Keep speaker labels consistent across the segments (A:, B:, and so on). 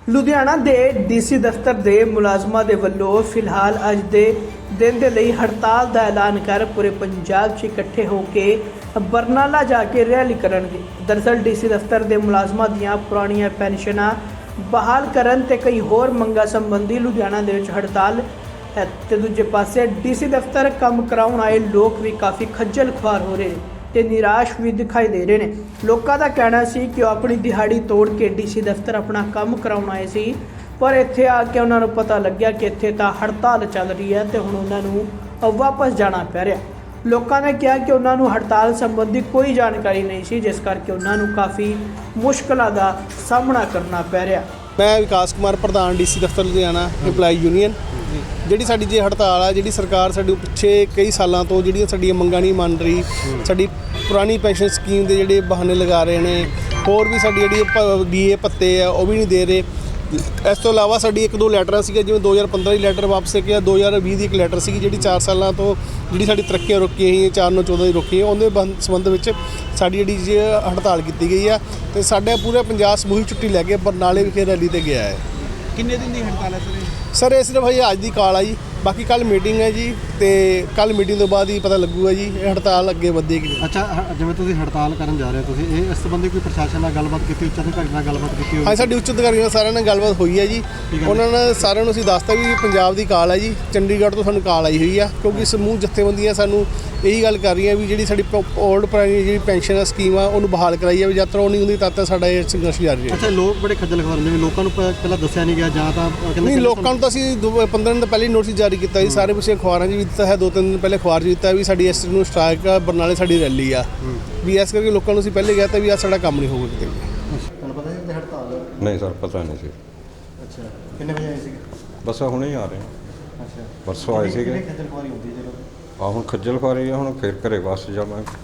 A: ਲੁਧਿਆਣਾ ਦੇ ਡੀਸੀ ਦਫ਼ਤਰ ਦੇ ਮੁਲਾਜ਼ਮਾਂ ਦੇ ਵੱਲੋਂ ਫਿਲਹਾਲ ਅੱਜ ਦੇ ਦਿਨ ਦੇ ਲਈ ਹੜਤਾਲ ਦਾ ਐਲਾਨ ਕਰ ਪੂਰੇ ਪੰਜਾਬ 'ਚ ਇਕੱਠੇ ਹੋ ਕੇ ਬਰਨਾਲਾ ਜਾ ਕੇ ਰੈਲੀ ਕਰਨਗੇ। ਦਰਅਸਲ ਡੀਸੀ ਦਫ਼ਤਰ ਦੇ ਮੁਲਾਜ਼ਮਾਂ ਦੀਆਂ ਪੁਰਾਣੀਆਂ ਪੈਨਸ਼ਨਾਂ ਬਹਾਲ ਕਰਨ ਤੇ ਕਈ ਹੋਰ ਮੰਗਾਂ ਸੰਬੰਧੀ ਲੁਧਿਆਣਾ ਦੇ ਵਿੱਚ ਹੜਤਾਲ ਹੈ ਤੇ ਦੂਜੇ ਪਾਸੇ ਡੀਸੀ ਦਫ਼ਤਰ ਕੰਮ ਕਰਾਉਣ ਆਏ ਲੋਕ ਵੀ ਕਾਫੀ ਖੱਜਲ ਖੁਆਰ ਹੋ ਰਹੇ ਨੇ ਤੇ ਨਿਰਾਸ਼ ਵੀ ਦਿਖਾਈ ਦੇ ਰਹੇ ਨੇ। ਲੋਕਾਂ ਦਾ ਕਹਿਣਾ ਸੀ ਕਿ ਉਹ ਆਪਣੀ ਦਿਹਾੜੀ ਤੋੜ ਕੇ ਡੀਸੀ ਦਫ਼ਤਰ ਆਪਣਾ ਕੰਮ ਕਰਾਉਣ ਆਏ ਸੀ, ਪਰ ਇੱਥੇ ਆ ਕੇ ਉਹਨਾਂ ਨੂੰ ਪਤਾ ਲੱਗਿਆ ਕਿ ਇੱਥੇ ਤਾਂ ਹੜਤਾਲ ਚੱਲ ਰਹੀ ਹੈ ਤੇ ਹੁਣ ਉਹਨਾਂ ਨੂੰ ਵਾਪਸ ਜਾਣਾ ਪੈ ਰਿਹਾ। ਲੋਕਾਂ ਨੇ ਕਿਹਾ ਕਿ ਉਹਨਾਂ ਨੂੰ ਹੜਤਾਲ ਸੰਬੰਧੀ ਕੋਈ ਜਾਣਕਾਰੀ ਨਹੀਂ ਸੀ, ਜਿਸ ਕਰਕੇ ਉਹਨਾਂ ਨੂੰ ਕਾਫੀ ਮੁਸ਼ਕਲਾਂ ਦਾ ਸਾਹਮਣਾ ਕਰਨਾ ਪੈ ਰਿਹਾ।
B: मैं विकास कुमार प्रधान डीसी दफ्तर लुधियाना एम्पलाई यूनियन ਜਿਹੜੀ ਸਾਡੀ ਜੇ ਹੜਤਾਲ ਆ ਜਿਹੜੀ ਸਰਕਾਰ ਸਾਡੇ ਪਿੱਛੇ ਕਈ ਸਾਲਾਂ ਤੋਂ ਜਿਹੜੀਆਂ ਸਾਡੀਆਂ ਮੰਗਾਂ ਨਹੀਂ ਮੰਨ ਰਹੀ, ਸਾਡੀ ਪੁਰਾਣੀ ਪੈਨਸ਼ਨ ਸਕੀਮ ਦੇ ਜਿਹੜੇ ਬਹਾਨੇ ਲਗਾ ਰਹੇ ਨੇ, ਹੋਰ ਵੀ ਸਾਡੀ ਜਿਹੜੀ ਡੀਏ ਭੱਤੇ ਆ ਉਹ ਵੀ ਨਹੀਂ ਦੇ ਰਹੇ। ਇਸ ਤੋਂ ਇਲਾਵਾ ਸਾਡੀ ਇੱਕ ਦੋ ਲੈਟਰਾਂ ਸੀਗੀਆਂ, ਜਿਵੇਂ 2015 ਦੀ ਲੈਟਰ ਵਾਪਸ ਗਿਆ, 2020 ਦੀ ਇੱਕ ਲੈਟਰ ਸੀਗੀ ਜਿਹੜੀ 4 ਸਾਲਾਂ ਤੋਂ ਜਿਹੜੀ ਸਾਡੀ ਤਰੱਕੀਆਂ ਰੁਕੀਆਂ ਸੀ, 4/9/14 ਦੀ ਰੁਕੀਆਂ, ਉਹਦੇ ਸੰਬੰਧ ਵਿੱਚ ਸਾਡੀ ਜਿਹੜੀ ਹੜਤਾਲ ਕੀਤੀ ਗਈ ਆ ਤੇ ਸਾਡਾ ਪੂਰਾ ਪੰਜਾਬ ਸਮੂਹਿਕ ਛੁੱਟੀ ਲੈ ਕੇ ਬਰਨਾਲੇ ਵਿਖੇ ਰੈਲੀ ਤੇ ਗਿਆ ਹੈ।
C: ਕਿੰਨੇ ਦਿਨ ਦੀ ਹੜਤਾਲ ਹੈ
B: ਸਰ ਇਹ ਸਿਰਫ ਅੱਜ ਦੀ ਕਾਲ ਆ ਜੀ, ਬਾਕੀ ਕੱਲ ਮੀਟਿੰਗ ਹੈ ਜੀ ਤੇ ਕੱਲ ਮੀਟਿੰਗ ਤੋਂ ਬਾਅਦ ਹੀ ਪਤਾ ਲੱਗੂਗਾ ਜੀ ਇਹ ਹੜਤਾਲ ਅੱਗੇ ਵਧੇਗੀ।
C: ਅੱਛਾ, ਜਿਵੇਂ ਤੁਸੀਂ ਹੜਤਾਲ ਕਰਨ ਜਾ ਰਹੇ ਹੋ, ਤੁਸੀਂ ਇਹ ਇਸ ਸੰਬੰਧੀ ਕੋਈ ਪ੍ਰਸ਼ਾਸਨ ਨਾਲ ਗੱਲਬਾਤ ਕੀਤੀ, ਉੱਚ ਅਧਿਕਾਰੀ ਨਾਲ ਗੱਲਬਾਤ ਕੀਤੀ ਹੋਈ?
B: ਹਾਂ, ਸਾਡੀ ਉੱਚ ਅਧਿਕਾਰੀਆਂ ਨਾਲ ਸਾਰਿਆਂ ਨਾਲ ਗੱਲਬਾਤ ਹੋਈ ਹੈ ਜੀ। ਉਹਨਾਂ ਨੇ ਸਾਰਿਆਂ ਨੂੰ ਅਸੀਂ ਦੱਸਤਾ ਵੀ ਪੰਜਾਬ ਦੀ ਕਾਲ ਹੈ ਜੀ, ਚੰਡੀਗੜ੍ਹ ਤੋਂ ਸਾਨੂੰ ਕਾਲ ਆਈ ਹੋਈ ਆ, ਕਿਉਂਕਿ ਸਮੂਹ ਜਥੇਬੰਦੀਆਂ ਸਾਨੂੰ ਇਹੀ ਗੱਲ ਕਰ ਰਹੀਆਂ ਵੀ ਜਿਹੜੀ ਸਾਡੀ ਓਲਡ ਪੁਰਾਣੀ ਜਿਹੜੀ ਪੈਨਸ਼ਨ ਸਕੀਮ ਆ ਉਹਨੂੰ ਬਹਾਲ ਕਰਾਈ ਜਾਵੇ। ਜਦ ਤੱਕ ਉਹ ਨਹੀਂ ਹੁੰਦੀ ਤਦ ਤੱਕ ਸਾਡਾ ਇਹ ਸੰਘਰਸ਼ ਜਾਰੀ ਹੈ।
C: ਅੱਛਾ, ਲੋਕ ਬੜੇ ਖੱਜਲ ਖਵਾਰ ਨੇ, ਲੋਕਾਂ ਨੂੰ ਪਹਿਲਾਂ ਦੱਸਿਆ ਨਹੀਂ ਗਿਆ ਜਾਂ ਤਾਂ
B: ਨਹੀਂ, ਲੋਕਾਂ ਨੂੰ ਤਾਂ ਅਸੀਂ 15 ਦਿਨ ਤੋਂ ਪਹਿਲੇ ਨੋਟਿਸ ਜਾਰੀ ਕੀਤਾ ਜੀ, ਸਾਰੇ ਪਿੱਛੇ ਅਖਬਾਰਾਂ 'ਚ ਵੀ ਦਿੱਤਾ ਹੈ, 2-3 ਦਿਨ ਪਹਿਲੇ ਅਖਬਾਰ 'ਚ ਦਿੱਤਾ ਵੀ ਸਾਡੀ ਇਸ ਨੂੰ ਸਟ੍ਰਾਈਕ ਆ, ਬਰਨਾਲੇ ਸਾਡੀ ਰੈਲੀ ਆ ਵੀ, ਇਸ ਕਰਕੇ ਲੋਕਾਂ ਨੂੰ ਅਸੀਂ ਪਹਿਲੇ ਕਿਹਾ ਤਾਂ ਵੀ ਆ ਸਾਡਾ ਕੰਮ ਨਹੀਂ ਹੋਊਗਾ ਕਿਤੇ।
C: ਤੁਹਾਨੂੰ ਪਤਾ ਸੀ ਹੜਤਾਲ?
D: ਨਹੀਂ ਸਰ, ਪਤਾ ਨਹੀਂ ਸੀ।
C: ਅੱਛਾ, ਕਿੰਨੇ ਵਜੇ ਆਏ ਸੀ?
D: ਬਸ ਹੁਣੇ ਹੀ ਆ ਰਹੇ ਹਾਂ।
C: ਅੱਛਾ,
D: ਪਰਸੋਂ ਆਏ ਸੀਗੇ।
C: ਖੱਜਲ ਖਵਾਰੀ ਹੁੰਦੀ ਹੈ ਜਦੋਂ
D: ਹੁਣ ਖੱਜਲ ਖੁਆਰੀ ਆ, ਹੁਣ ਫਿਰ ਘਰੇ ਵਾਪਸ ਜਾਵਾਂਗੇ।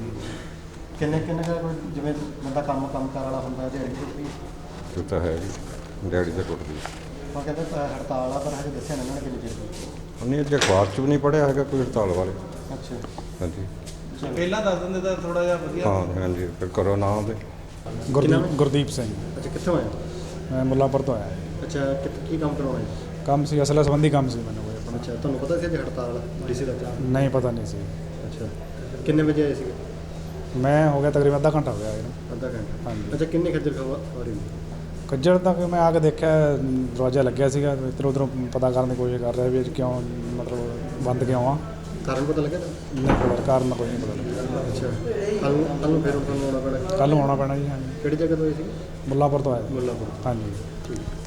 C: ਕਿੰਨੇ ਜਿਵੇਂ ਬੰਦਾ ਕੰਮ ਕਾਰ ਵਾਲਾ ਹੁੰਦਾ ਦਿਹਾੜੀ ਟੁੱਟਦੀ
D: ਇਹ ਤਾਂ ਹੈ ਜੀ, ਦਿਹਾੜੀ ਤਾਂ ਟੁੱਟਦੀ।
C: ਉਹ ਕਹਿੰਦੇ ਹੜਤਾਲ ਆ, ਪਰ ਹਜੇ ਦੱਸਿਆ ਨਹੀਂ ਉਹਨਾਂ ਨੇ ਕਿੰਨੀ ਚਿਰ ਦੀ।
D: ਉਹਨੇ ਅਜੇ ਅਖਬਾਰ 'ਚ ਵੀ ਨਹੀਂ ਪੜ੍ਹਿਆ ਹੈਗਾ ਕੋਈ ਹੜਤਾਲ ਬਾਰੇ।
C: ਅੱਛਾ,
D: ਹਾਂਜੀ,
C: ਪਹਿਲਾਂ ਦੱਸ ਦਿੰਦੇ ਤਾਂ ਥੋੜਾ ਜਿਹਾ ਵਧੀਆ।
D: ਹਾਂ ਹਾਂਜੀ, ਫਿਰ ਕਰੋ ਨਾ ਉਹਦੇ।
E: ਗੁਰਦੀਪ ਸਿੰਘ।
C: ਅੱਛਾ, ਕਿੱਥੋਂ ਆਏ?
E: ਮੈਂ ਮੁੱਲਾਂਪੁਰ ਤੋਂ ਆਇਆ।
C: ਅੱਛਾ, ਕੀ ਕੰਮ ਕਰਾਉਣਾ ਹੈ?
E: ਕੰਮ ਸੀ, ਅਸਲ ਸੰਬੰਧੀ ਕੰਮ ਸੀ ਮੈਨੂੰ ਕੋਈ ਆਪਣਾ।
C: ਅੱਛਾ, ਤੁਹਾਨੂੰ ਪਤਾ ਸੀ ਅੱਜ ਹੜਤਾਲ ਡੀਸੀ ਦਾ?
E: ਨਹੀਂ, ਪਤਾ ਨਹੀਂ ਸੀ।
C: ਅੱਛਾ, ਕਿੰਨੇ ਵਜੇ ਆਏ ਸੀਗੇ?
E: ਮੈਂ ਹੋ ਗਿਆ ਤਕਰੀਬਨ ਅੱਧਾ ਘੰਟਾ ਹੋ ਗਿਆ ਇਹਨੂੰ।
C: ਅੱਧਾ ਘੰਟਾ?
E: ਹਾਂਜੀ।
C: ਅੱਛਾ, ਕਿੰਨੇ ਖੱਜਲ ਖਵਾਰੀ?
E: ਕੱਜੜ ਤੱਕ ਮੈਂ ਆ ਕੇ ਦੇਖਿਆ ਦਰਵਾਜ਼ਾ ਲੱਗਿਆ ਸੀਗਾ, ਇੱਧਰ ਉੱਧਰੋਂ ਪਤਾ ਕਰਨ ਦੀ ਕੋਸ਼ਿਸ਼ ਕਰ ਰਿਹਾ ਵੀ ਅੱਜ ਕਿਉਂ ਮਤਲਬ ਬੰਦ ਕਿਉਂ ਆ।
C: ਕਾਰਨ ਪਤਾ ਲੱਗਿਆ?
E: ਨਹੀਂ ਪਤਾ, ਕਾਰਨ ਕੋਈ ਨਹੀਂ ਪਤਾ ਲੱਗਿਆ।
C: ਅੱਛਾ, ਕੱਲ ਨੂੰ ਫਿਰ ਤੁਹਾਨੂੰ ਆਉਣਾ ਪੈਣਾ?
E: ਕੱਲ੍ਹ ਨੂੰ ਆਉਣਾ ਪੈਣਾ ਜੀ। ਹਾਂਜੀ।
C: ਕਿਹੜੀ ਜਗ੍ਹਾ ਤੋਂ ਆਏ ਸੀ?
E: ਮੁੱਲਾਂਪੁਰ ਤੋਂ ਆਇਆ।
C: ਮੁੱਲਾਂਪੁਰ।
E: ਹਾਂਜੀ।
C: ਠੀਕ।